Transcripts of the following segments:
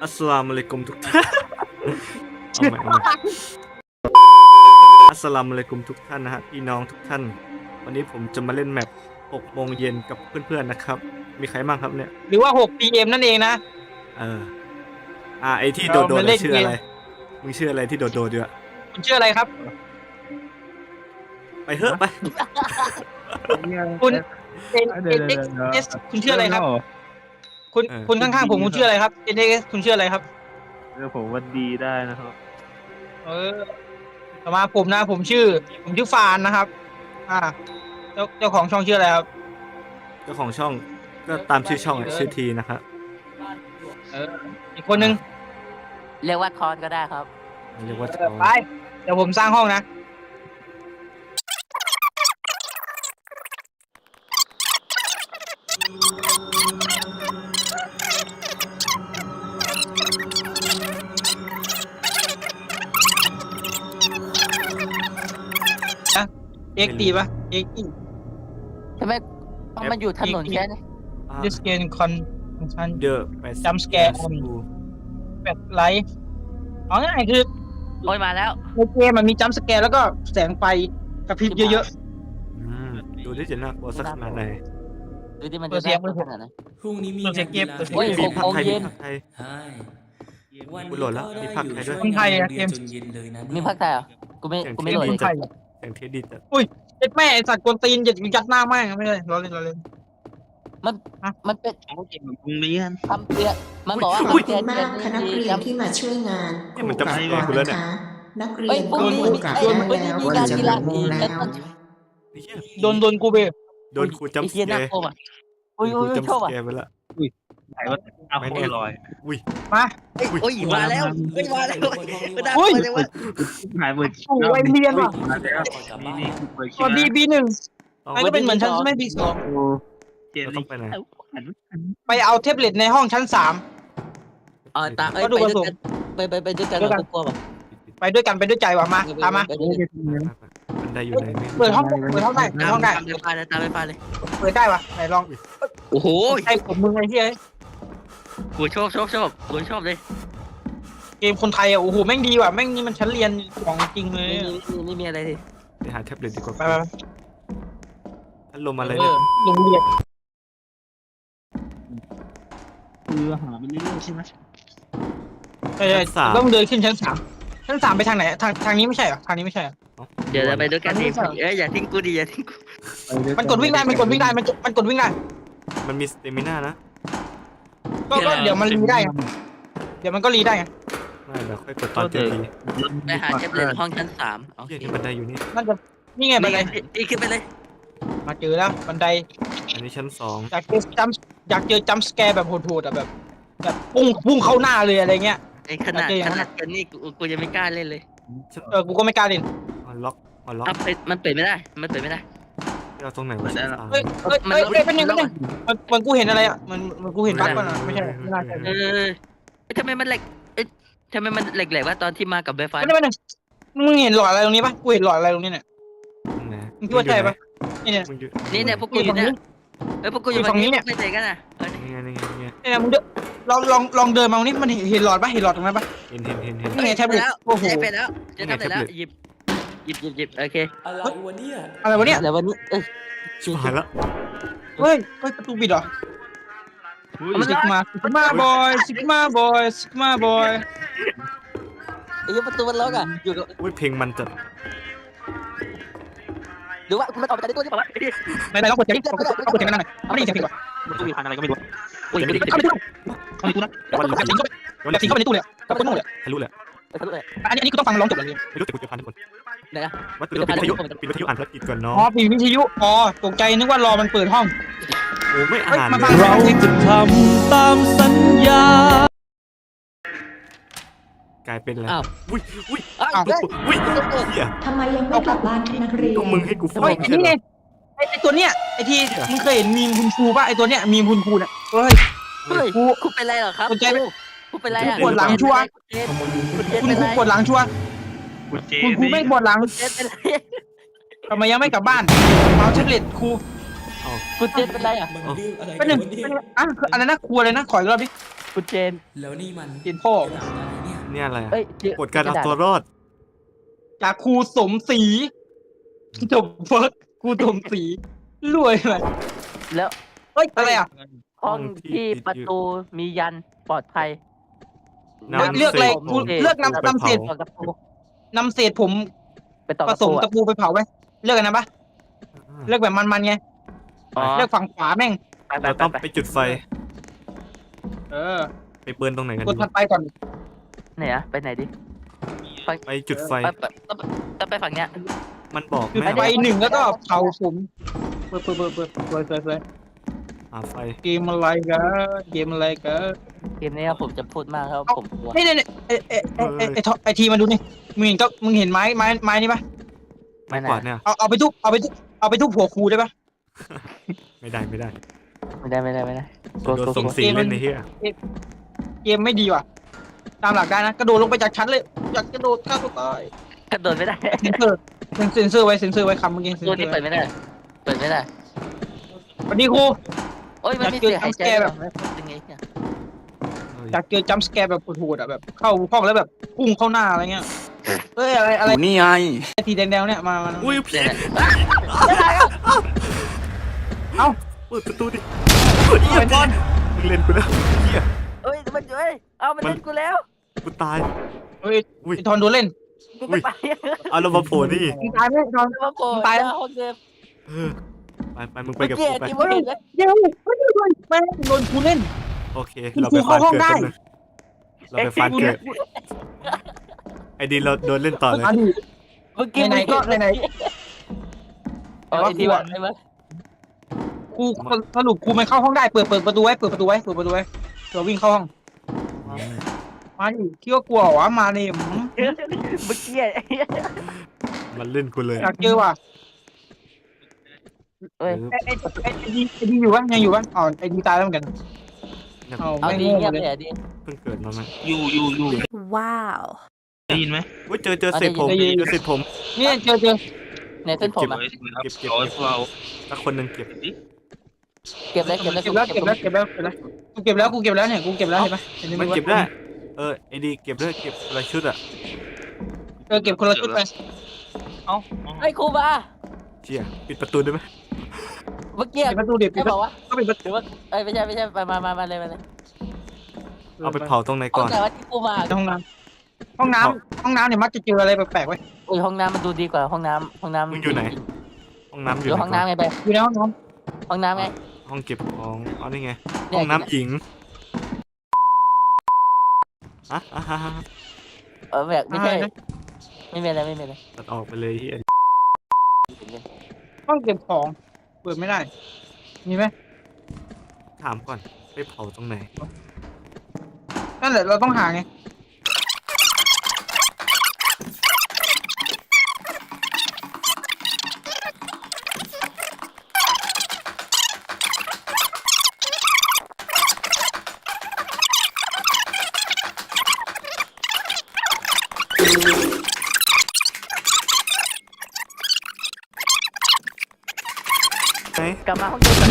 อัสสลามุอะลัยกุมทุกท่านเอาใหม่อัสสลามุอะลัยกุมทุกท่านนะฮะพี่น้องทุกท่านวันนี้ผมจะมาเล่นแมป6 โมงเย็นกับเพื่อนๆนะครับมีใครบ้างครับเนี่ยหรือว่า6 PM นั่นเองนะเออไอที่โดดๆชื่ออะไรมึงชื่ออะไรที่โดดๆอยู่อะคุณชื่ออะไรครับไปเถอะไปคุณNXS คุณชื่ออะไรครับคุณข้างๆผมคุณชื่ออะไรครับ NXS คุณชื่ออะไรครับผมวันดีได้นะครับต่อมาผมชื่อฟานนะครับเจ้าของช่องชื่ออะไรครับเจ้าของช่องก็ตามชื่อช่องชื่อทีนะครับอีกคนนึงเรียกว่าทอนก็ได้ครับเรียกว่าไปเดี๋ยวผมสร้างห้องนะเอ็กตีปะเอ็กตีทำไมมันอยู่ถนนแค่นี้ This game function เดอะ jump scare on แบบไลท์เอาง่ายคือโอ้ยมาแล้วในเกมมันมีจัมป์สแกร์แล้วก็แสงไฟกระพริบเยอะๆดูที่จะน่ากลัวสักขนาดไหนดูที่มันจะน่ากลัวขนาดไหนพรุ่งนี้มีเสียงเกมโอ้ยมีภาคไทยวันกูโหลดแล้วมีภาคไทยด้วยคนไทยอะเกมมีภาคไทยเหรอกูไม่โหลดเลยไทยเสียงเทสดีจัดอุ้ยเจ็ดแม่ไอสัตว์กวนตีนยัดหน้าแม่งไม่เลยเราเล่นมันเป็นเกมโรงเรียนทำเตือนมันบอกว่าขอบคุณมากคณะนักเรียนที่มาช่วยงานมันจะไปกูแล้วเนี่ยนักเรียนก็ควรกลับได้แล้วควรจะหกโมงแล้วโดนกูเบโดนครูจำสแกร์อุ้ยจำสแกร์ไปละไหนว่าเอาไม่ลอยมาอุ้ยมาแล้วมาแล้วอุ้ยหายหมดไอเรียนว่ะนี่ตอนดีB1ไอ้ก็เป็นเหมือนชั้นไม่B2 ต้องไปไหนไปเอาแท็บเล็ตในห้องชั้น3 ตาไปด้วยกันไปด้วยกันเรากลัวป่ะไปด้วยกันไปด้วยใจว่ะมาตามมามันได้อยู่ไหนเปิดห้องได้ห้องได้ตามไปเลยเปิดได้ป่ะไหนลองโอ้โหไอ้ผมมึงไอ้ที่ไอ้กูชอบกูชอบเลยเกมคนไทยอ่ะโอ้โหแม่งดีว่ะแม่งนี่มันชั้นเรียนของจริงเลยนี่มีอะไรดิไปหาแท็บเล็ตดีกว่าไปพัดลมอะไรเนี่ยโรงเรียนหาไปเรื่อยๆใช่ไหมใช่ต้องเดินขึ้นชั้น3ไปทางไหนทางนี้ไม่ใช่เหรอทางนี้ไม่ใช่เดี๋ยวเราไปด้วยกันดิอย่าทิ้งกูดิอย่าทิ้งกูมันกดวิ่งได้มันกดวิ่งได้มันมีสเตมิน่านะก็เดี๋ยวมันรีได้เดี๋ยวมันก็รีได้ไงไม่เดี๋ยวค่อยกดตอนเจอดีไปหาแท็บเล็ตห้องชั้น3 โอเคบันไดอยู่นี่น่าจะนี่ไงบันไดขึ้นไปเลยมาเจอแล้วบันไดอันนี้ชั้น2 อยากเจอจัมป์สแกร์แบบโหดๆอ่ะแบบพุ่งเข้าหน้าเลยอะไรเงี้ยไอ้ขนาดกันนี่กูยังไม่กล้าเล่นเลยกูก็ไม่กล้าเล่นล็อกมันเปิดไม่ได้เราตรงไหนวะเฮ้ยเป็นยังไงมันกูเห็นอะไรอ่ะมันกูเห็นบั๊กมันไม่ใช่ไม่น่าใช่ทำไมมันแหลกว่าตอนที่มากับไวไฟไม่มึงเห็นหลอดอะไรตรงนี้ปะกูเห็นหลอดอะไรตรงนี้เนี่ยมึงคิดว่าใช่ปะนี่เนี่ยพวกกูอยู่เนี่ยพวกกูอยู่ฝั่งนี้เนี่ยไม่เจอกันอ่ะเนี่ยมึงลองเดินมาตรงนี้มันเห็นหลอดปะเห็นหลอดตรงนั้นปะเห็นนี่ไงแท็บเล็ตโอ้โหไปแล้วจะทำไปแล้วหยิบโอเคอะไรวะเนี่ยชิบหายละเฮ้ยประตูปิดเหรอซิกมาบอยไอ้ประตูมันล็อกอ่ะอยู่กับเพลงมันจัดหรือว่าคุณมันออกมาจากตัวนี้ป่ะไหนลองกดเสียงกันหน่อยไม่ได้ยินเสียงเพลงว่ะมันตู้มีพันอะไรก็ไม่รู้เข้าไปในตู้นะสิงเข้าไปในตู้เลยเข้าไปในตู้เลยทะลุเลยอันนี้กูต้องฟังร้องจบเลยไม่รู้แต่กูจะพันทุกคนไหนอ่ะว่าปิดวิทยุอ่านภาษาอังกฤษก่อนเนาะปิดวิทยุตกใจนึกว่ารอมันเปิดห้องโอ้ไม่อ่านเราจะทำตามสัญญากลายเป็นอะไรอุ้ยทำไมยังไม่กลับบ้านนักเรียนก็มึงให้กูฟังนี่ไงไอตัวเนี้ยไอที่มึงเคยเห็นมีมคุณครูป่ะไอตัวเนี้ยมีมคุณครูเนี่ยเฮ้ยคุณเป็นไรเหรอครับคุณเป็นไรอ่ะปวดหลังชัวคุณปวดหลังชัวคุณครูไม่ปวดหลังทำไมยังไม่กลับบ้านเอาแท็บเล็ตครูคุณเจ็ดเป็นไรอ่ะเป็นหนึ่งอะไรนะครูอะไรนะขออีกรอบดิคุณเจนแล้วนี่มันกินพ่ออะไรเนี่ยเนี่ยอะไรอะเอ้ยกฎการเอาตัวรอดจากครูสมศรีจบเฟิร์กครูสมศรีรวยเลยแล้วเฮ้ยอะไรอ่ะห้องที่ประตูมียันปลอดภัยเลือกอะไรศษกูเลือกนำเศษต่อกับปูนำเศษผมไปต่อผกับสมปูตะปูไปเผาไว้เลือกกันนะปะเลือกแบบมันๆไงอ๋อเลือกฝั่งขวาแม่งไปไปเราไปต้องไปไปจุดไฟเออไปเบิร์นตรงไหนกันกดดีถัดไปก่อนไหนอะไปไหนดิไปจุดไฟต้องไปฝั่งเนี้ยมันบอกจุดแม่ไฟว่าหนึ่งแล้วก็เผาผมเปิดเปิดหาไฟเกมอะไรกันเกมอะไรกันเกมนี้ครับผมจะพูดมากครับผมกลัวนี่ไอทีมาดูนี่มึงเห็นไม้นี่ปะไม้กวาดเนี่ยเอาไปทุบหัวครูได้ปะไม่ได้ไม่ได้ไม่ได้โดนส่งสีเล่นในเฮียเกมไม่ดีว่ะตามหลักได้นะกระโดดลงไปจากชั้นเลยอยากกระโดดฆ่าตัวตายกระโดดไม่ได้เซนเซอร์ไว้คำเมื่อกี้เซนตัวเซอนี้ร์เปิดไม่ได้ เปิดไม่ได้สวัสดีครูโอ้ยมันมีอยากเจอเสียงหายใจ jump scare แบบยังไงเนี่ยอยากเจอจัมป์สแกร์แบบโหดๆอ่ะแบบเข้าห้องแล้วแบบพุ่งเข้าหน้าอะไรเงี้ยเอ้ยอะไรนี่ไงทีแดงๆเนี่ยมาอุ้ยพี่เอ้าเปิดประตูดิเฮียบอลมึงเล่นกูแล้วเฮียเอ้ยมันเอ้ยเอามันเล่นกูแล้วกูตายเฮ้ยอุ้ยไอทอนโดนเล่นกูจะไปเอาเรามาโผล่นี่มึงตายไหมทอนมาโผล่ตายแล้วหน้ห้องเดิมเออไปมึงไปเมื่อกับกี้กูไปที่มึงเห็นไหมเดี๋ยวแม่งโดนกูเล่นโอเคคุณเราครูไปฟานเข้าห้องเกิดได้กันเลยเราไปฟานเกิดไอ้ดีเราโดนเล่นต่อเลยมาดิเมื่อกี้ไหนๆก็ไหนเอาไอ้ที่ว่าใช่ไหมครูสรุปครูไม่เข้าห้องได้เปิดประตูไว้เปิดประตูไว้เดี๋ยววิ่งเข้าห้องมาดิคิดว่ากลัวเหรอวะมาดิเมื่อกี้มันเล่นกูเลยอยากเจอว่ะเอ้ยไอ้ดีอยู่ปะยังอยู่ปะอ๋อไอ้ดีตายแล้วเหมือนกันเอาเอาไม่ดีโง่เงียบเลยเลยอะดีเพิ่งเกิดมาไหมอยู่ว้าวได้ยินไหมอุ้ยเจอเศษผมเจอเศษผมเนี่ยเจอในเส้นผมอะเอาเราสักคนหนึ่งเก็บเก็บเลยเก็บแล้วกูเก็บแล้วเนี่ยกูเก็บแล้วเห็นปะมันเก็บได้ไอ้ดีเก็บด้วยเก็บอะไรชุดอะเก็บคนละชุดไปเอาไอ้ครูมาเชี่ยปิดประตูได้ไหมเมื่อกี้ปิดประตูดิปิไม่ดประบตูอกว่าก็ปิดประหตูรือว่าเอ้ยไม่ใช่มาเลยเอาไปเผาตรงไหนเอาก่อนแต่ว่าที่ครูมาห้องน้ำเนี่ยมักจะเจออะไรแปลกๆไว้อุ้ยห้องน้ำมันดูดีกว่าห้องน้ำห้องน้ำอยู่อไหนยู่ห้องน้ำไงไปอยู่ในห้องน้ห้องน้ำไงห้องเก็บของอ๋อนี่ไงเนี่ยห้องน้ำหญิงอ่ะแบบไม่ใช่ไม่เป็นไรตัดออกไปเลยเฮียำห้องเก็บของเปิดไม่ได้มีไหมถามก่อนไปเผาตรงไหนนั่นแหละเราต้องหาไงไหนกลับมาห้องเดิม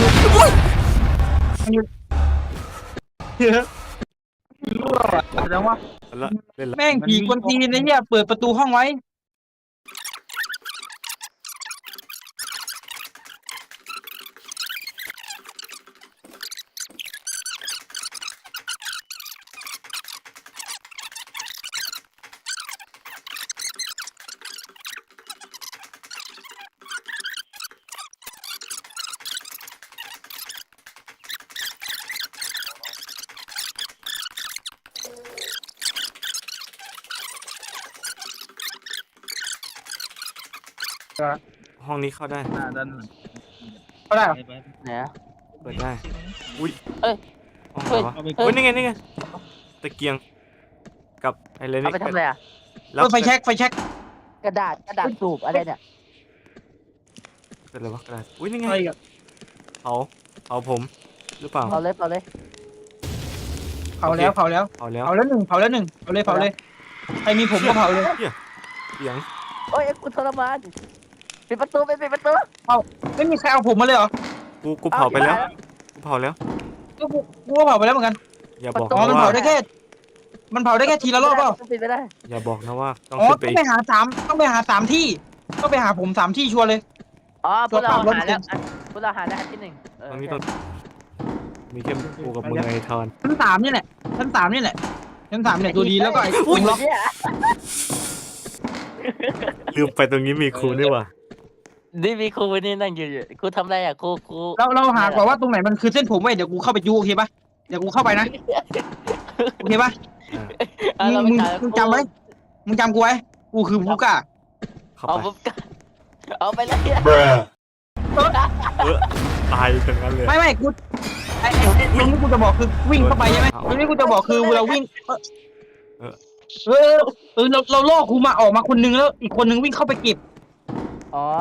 รั่วอ่ะแสดงว่าแล้วเล่นละแม่งผีคนจีนไอ้เนี่ยเปิดประตูห้องไว้ห้องนี้เข้าได้ด้านเขาได้เหรอไหนอะเปิดได้อุ้ยเอ้ยห้องไหนวะอุ้ยนี่ไงตะเกียงกับอะไรเอานี่ไปทำอะไรอะแล้วไฟแช็กกระดาษสูบอะไรเนี่ยเป็นอะไรวะกระดาษอุ้ยนี่ไงอะไรอ่ะเผาผมหรือเปล่าเอาเลยเผาแล้วเผาแล้วเผาแล้วหนึ่งเผาเลยใครมีผมก็เผาเลยเสียงโอ้ยกูทรมานปิดประตูไม่มีใครเอาผมมาเลยเหรอกูเผาไปแล้วกูเผาแล้วกูก็เผาไปแล้วเหมือนกันอย่าบอกอ๋อนะมันว่าเผาได้แค่ทีละรอบเปล่าปิดไม่ได้อย่าบอกนะว่าต้องอ๋อขึ้นไปต้องอีไปกหาที่ต้องไปหาผม3 ที่ชัวร์เลยอ๋อพวกเราตัวปรับหาแล้วรถพวกเราหาแล้วอันที่หนึ่งตรงนี้ต้องมีแค่กูกับมึงไงทอนชั้น 3นี่แหละชั้น 3นี่แหละชั้น 3เนี่ยตัวดีแล้วก็ไอ้อุ้ยล็อกเนี่ยลืมไปตรงนี้มีครูนี่หว่านี่มีครูนี่นั่งอยู่ครูทำอะไรอ่ะครูเราหาก่อนว่าตรงไหนมันคือเส้นผมไว้เดี๋ยวกูเข้าไปยูโอเคปะเดี๋ยวกูเข้าไปนะโอเคปะอ่าเรามึงไปหามึงจำไว้มึงจำกูไว้กูคือผู้กล้าเข้าเอาไปปุ๊บเอาไปเลยตายตรงนั้นเลยไม่กูไอ้ตรงนี้กูจะบอกคือวิ่งเข้าไปใช่ไหมตรงนี้กูจะบอกคือเราวิ่งเราล่อครูมาออกมาคนนึงแล้วอีกคนนึงวิ่งเข้าไปเก็บอ๋อ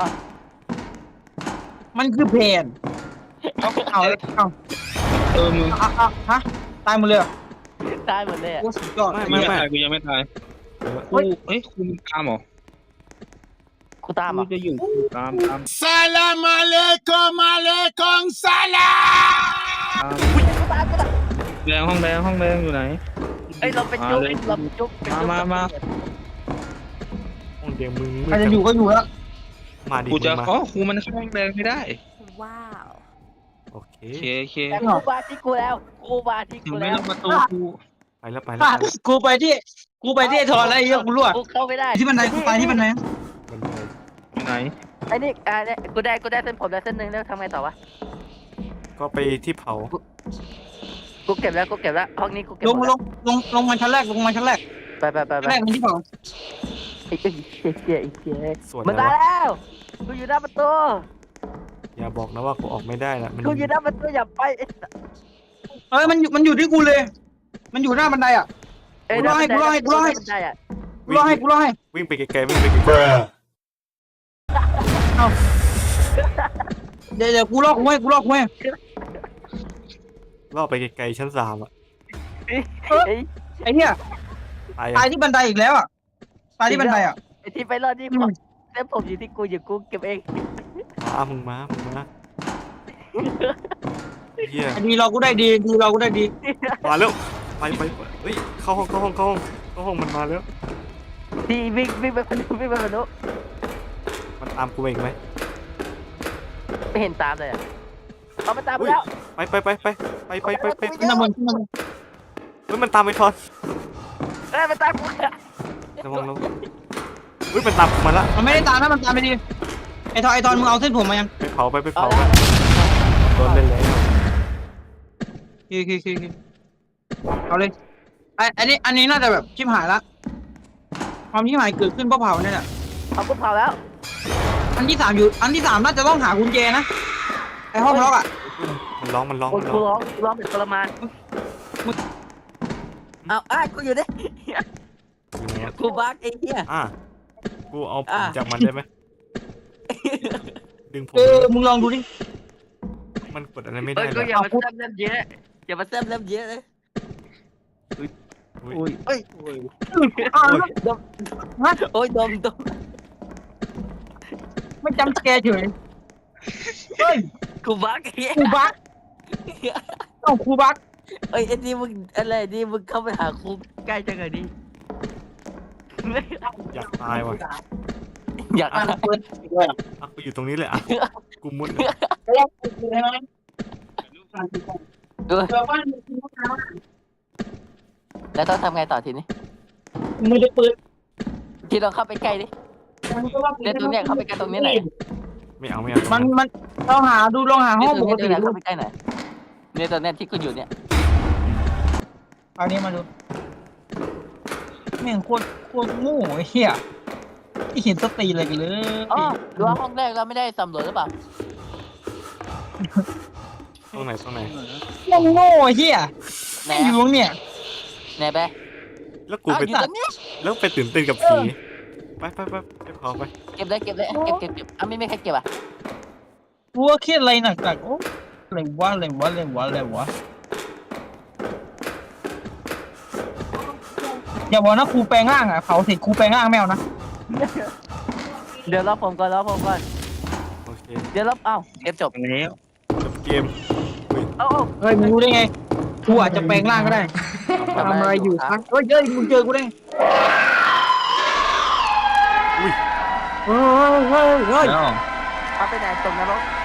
มันคือแผนเอามึงฮะตายหมดเลยตายหมดเลยอ่ะโอ้สุดยอดกูยังไม่ตายกูยังไม่ตายกูเอ้ยกูมึงตามเหรอครูตามกูอ่ะจะอยู่ตาม Salam alaikum alaikum salam. แดงห้องแดงอยู่ไหนเอ้ยเราไปจุ๊บเราไปจุ๊บมาห้องเดียวมึงใครจะอยู่ก็อยู่แล้วมาดิกูจะมึงมาอ๋อครูมันเข้าห้องแดงไม่ได้ว้าวโอเคโอเคแต่ครูมาที่กูแล้วครูมาที่ถึงกูไม่แล้วล็อกประตูกูไปแล้วกูไปที่ทอนแล้วไอ้เหี้ยกูรั่วกูเข้าไม่ได้ที่บันไดกูตายที่บันไดมันไปอยู่ไหนไอ้นี่เนี่ยกูได้เส้นผมแล้วเส้นหนึ่งแล้วทำไงต่อวะก็ไปที่เผากูเก็บแล้วห้องนี้กูเก็บลงหมดลแล้วงลงมาชั้นแรกไปชั้นแรกมันที่เผาไอ้เจ๊ส่วนมันไหนตายวะแล้วกูอยู่หน้าประตูอย่าบอกนะว่ากูออกไม่ได้นะมันกูอยู่หน้าประตูอย่าไปมันอยู่ที่กูเลย มันอยู่หน้าบันไดอ่ะ กูรอให้วิ่งไปไกลๆวิ่งไปไกลเดี๋ยวกูลอกกูให้ๆล่อไปไกลๆชั้น3อ่ะไอ้เหี้ยตายตายที่บันไดอีกแล้วอ่ะตายที่บันไดอ่ะไอ้ที่ไปรอดนี่เส้นผมอยู่ที่กูกูเก็บเองมึงมาเฮียดีเรากูได้ดีมาแล้วไปเฮ้ยเข้าห้องมันมาแล้วที่วิ่งไปคนนู้นมันตามกูอีกไหมไม่เห็นตามเลยอ่ะเอามาตามแล้วไปขึ้นมาบนเฮ้ยมันตามไปทอนมันตามกูระวังเฮ้ยมันตามกูมาละมันไม่ได้ตามนะมันตามไปดีไอ้ทอนมึงเอาเส้นผมมายังไปเผาโดนเล่นแล้วคือเอาเลยอันนี้น่าจะแบบชิบหายละความชิบหายเกิดขึ้นเพราะเผาเนี่ยแหละเอากูเผาแล้วอันที่ 3น่าจะต้องหากุญแจนะไอ้ห้องล็อกอ่ะมันร้องกูร้องเป็นทรมานเอากูอยู่ดิอยู่ไหนอะกูบักไอ้เหี้ยกูเอาผมจากมันได้ไหมดึงผมมึงลองดูดิมันกดอะไรไม่ได้ก็เลยอย่ามาแซมเล่มเยอะอย่ามาแซมเล่มเยอะเลย โอ้ยดมไม่จำแกเฉยเฮ้ยกูบักไอ้เหี้ยครูบักครูบักเอ้ยไอ้นี่มึงอะไรนี่มึงเข้าไปหาครูใกล้จังเลยดิอยากตายว่ะอยากเปิดกูอยู่ตรงนี้เลยกูมุดแล้วต้องทำไงต่อทีนี้มือจะเปิดที่เราเข้าไปใกล้ดิเดี๋ยวตรงเนี้ยเข้าไปใกล้ตรงนี้หน่อยไม่เอามันลองหาห้องปกติเข้าไปใกล้หน่อยเนี่ยตอนเนี้ยที่กูอยู่เนี่ยเอานี้มาดูแม่งโคตรโง่ไอ้เหี้ยที่เห็นสติอะไรกันเลยอ๋อดูว่าห้องแรกเราไม่ได้สำรวจหรือเปล่าตรงไหนแม่งโง่ไอ้เหี้ยไหนไม่อยู่ตรงเนี่ยไหนไปแล้วกูไปอยู่ตรงนี้แล้วไปตื่นเต้นกับผีไปเผาไปเก็บเลยเก็บไม่มีใครเก็บอ่ะกูว่าเครียดอะไรหนักๆโอ้อะไรวะอย่าบอกนะครูแปลงร่างอ่ะเผาเสร็จครูแปลงร่างแมวนะเดี๋ยวรอผมก่อนโอเคเดี๋ยวรอเอ้าเกมจบแล้วจบเกมเอ้าเฮ้ยมึงรู้ได้ไงกูอาจจะแปลงร่างก็ได้ทำอะไรอยู่ครับเฮ้ยมึงเจอกูได้อุ้ยเฮ้ยแล้วเขาไปไหนตกนรก